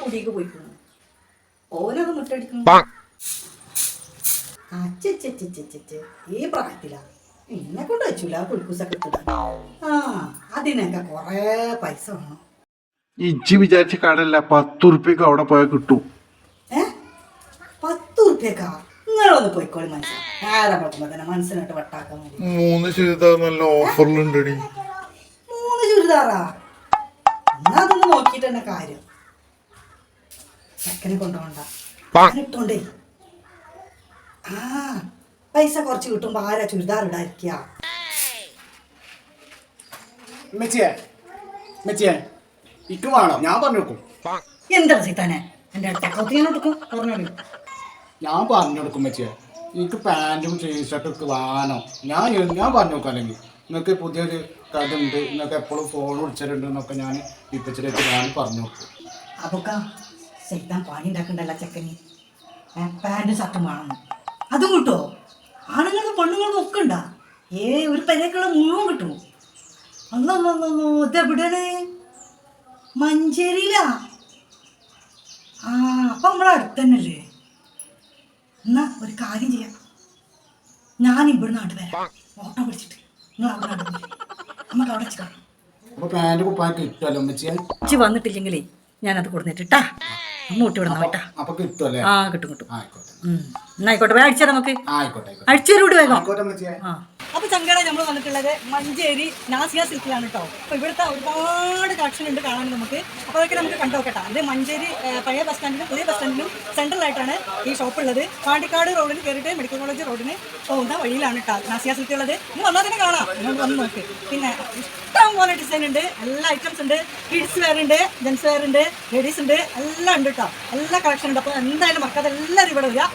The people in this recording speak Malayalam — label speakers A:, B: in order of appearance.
A: കുടിക്ക് പോയിക്കുന്നു. ഓനത് മുട്ടടിക്കുന്നു. അച്ഛ ഈ പ്രായത്തിലാ എന്നെ കൊണ്ട് വെച്ചില്ല കുൽക്കൂസൊക്കെ ഇട്ടിടാൻ. ആ അതിനൊക്കെ കൊറേ പൈസ വേണം.
B: ഇജ്ജി വിചാരിച്ച കടല്ല 10 ഉറുപ്പ്യക്ക് അവിടെ പോയാൽ കിട്ടും.
A: 10 ഉറുപ്പ്യക്കാ? നിങ്ങളൊന്ന് പോയിക്കോളി മനസ്സിലാ. നേരെ നോക്കുമ്പോ തന്നെ മനസ്സിനായിട്ട് വട്ടാക്കാൻ മതി.
B: 3 ചുരിദാർ നല്ല ഓഫറിലുണ്ടടി.
A: 3 ചുരിദാറാ? എന്നാ അതൊന്ന് നോക്കിയിട്ട് തന്നെ കാര്യം. ചെക്കനെ കൊണ്ടുപോണ്ട ഇട്ടോണ്ടേ. ആ പൈസ കുറച്ച് കിട്ടുമ്പോ ആരാ ചുരിദാർ ഇടാതിരിക്കുക?
C: ഇക്ക് വേണോ? ഞാൻ പറഞ്ഞു കൊടുക്കും.
A: എന്താ സീതാനെ എന്റെ ചക്കത്തി ഞാൻ എടുക്കും പറഞ്ഞോളൂ.
C: ഞാൻ പറഞ്ഞു കൊടുക്കും മെച്ചിയെ. എനിക്ക് പാൻറ്റും ടീഷർട്ടും ഒക്കെ വേണം. ഞാൻ പറഞ്ഞു നോക്കാം. അല്ലെങ്കിൽ നിങ്ങൾക്ക് പുതിയൊരു കഥ ഉണ്ട്, നിങ്ങൾക്ക് എപ്പോഴും ഫോൺ വിളിച്ചിട്ടുണ്ട് എന്നൊക്കെ ഞാൻ ഇപ്പച്ചിലേക്ക് ഞാൻ പറഞ്ഞു നോക്കും.
A: അപ്പൊക്ക സൈതാൻ പണി ഉണ്ടാക്കണ്ടല്ല ചെക്കന്. പാൻറ്റും ഷർട്ടും വേണം. അതും കിട്ടുമോ? ആണുങ്ങൾക്കും പെണ്ണുങ്ങൾക്കും ഒക്കെ ഉണ്ടാ. ഒരു പെരക്കുള്ള മുഴുവൻ കിട്ടുമോ? അല്ലോ ഇതെവിടെയാണ്? മഞ്ചേരിയിലാ? ആ അപ്പൊ നമ്മളെ അടുത്ത് തന്നെയല്ലേ? എന്നാ ഒരു കാര്യം ചെയ്യാം, ഞാൻ ഇവിടുന്ന് നാട്ട് വരാം ഓട്ടോ പിടിച്ചിട്ട്. നിങ്ങൾ അവിടെ നമുക്ക് അവിടെ വെച്ച് കാണാം.
C: അപ്പോൾ പാൻറ്റ് കുപ്പായൊക്കെ കിട്ടുമല്ലോ മെച്ചിയെ?
A: വന്നിട്ടില്ലെങ്കിലേ ഞാനത് കൊടുത്തിട്ടാ അങ്ങോട്ട് വിടണം കേട്ടാ.
C: അപ്പൊ കിട്ടുമല്ലേ?
A: ആ കിട്ടും കിട്ടും.
C: ആയിക്കോട്ടെ
A: എന്നായിക്കോട്ടെ വേഗം അടിച്ചാൽ നമുക്ക്.
C: ആയിക്കോട്ടെ
A: അടിച്ചേരൂട് വേഗം.
C: ആയിക്കോട്ടെ മെച്ചിയെ.
A: അപ്പൊ ചങ്കട നമ്മൾ വന്നിട്ടുള്ളത് മഞ്ചേരി നാസിയ സിൽക്കിലാണ് കേട്ടോ. അപ്പൊ ഇവിടുത്തെ ഒരുപാട് കളക്ഷൻ ഉണ്ട് കാണാൻ നമുക്ക്. അപ്പൊ അതൊക്കെ നമുക്ക് കണ്ടോക്കട്ടെ. അത് മഞ്ചേരി പഴയ ബസ് സ്റ്റാൻഡിനും പുതിയ ബസ് സ്റ്റാൻഡിനും സെൻട്രലായിട്ടാണ് ഈ ഷോപ്പ് ഉള്ളത്. പാണ്ടിക്കാട് റോഡിന് കയറിയിട്ട് മെഡിക്കൽ കോളേജ് റോഡിന് പോകുന്ന വഴിയിലാണ് കേട്ടോ നാസിയ സിൽക്ക് ഉള്ളത്. ഇന്ന് വന്നാൽ തന്നെ കാണാം, നിങ്ങൾ വന്ന് നോക്ക്. പിന്നെ ഇഷ്ടം പോലെ ഡിസൈൻ ഉണ്ട്, എല്ലാ ഐറ്റംസ് ഉണ്ട്. കിഡ്സ് വെയർ ഉണ്ട്, ജെൻസ് വെയർ ഉണ്ട്, ലേഡീസ് ഉണ്ട്, എല്ലാം ഉണ്ട് കേട്ടോ. എല്ലാ കളക്ഷൻ ഉണ്ട്. അപ്പോൾ എന്തായാലും മറക്കാതെ എല്ലാവരും ഇവിടെ വരിക.